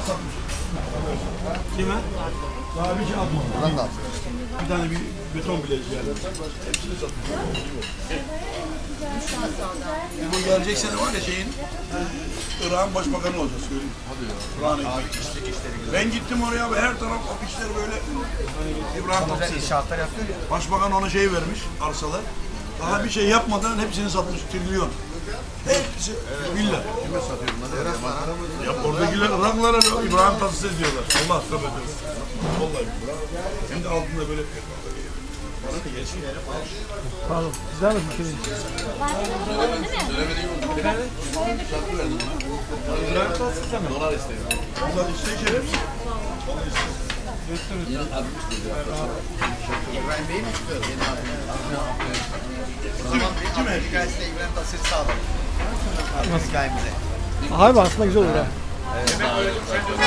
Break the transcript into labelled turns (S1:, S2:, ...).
S1: satmış.
S2: Kime?
S1: Daha bir şey atmadı.
S3: Buradan da al.
S1: Bir tane bir beton bileziği yani. Hepsini satmış. Bu gelecek sene var ya şeyin, Irak'ın başbakanı olacak söyleyeyim. Hadi ya. Ben gittim oraya ve her taraf afişler böyle İbrahim Tatlıses.
S3: İnşaatlar yapıyor ya.
S1: Başbakan ona şey vermiş, arsalar. Daha bir şey yapmadan hepsini satmış, trilyon. Hepsi villa.
S3: Kime satıyor bunları?
S1: Ya oradakiler Iraklılara İbrahim Tatlıses diyorlar. Allah tövbe tövbe. Vallahi hem de altında böyle
S2: Pardon. Güzel mi bir şey? İbrahim Tatlıses'e mi?
S1: onlar işte şerefsiz.
S3: İbrahim Bey mi çıkıyor? Yeni abi. O zaman bir
S1: Kim
S3: abi hikayesiyle İbrahim Tatlıses'i sağlayalım. Hikayemize.
S2: Abi aslında güzel olur ha.
S3: Evet.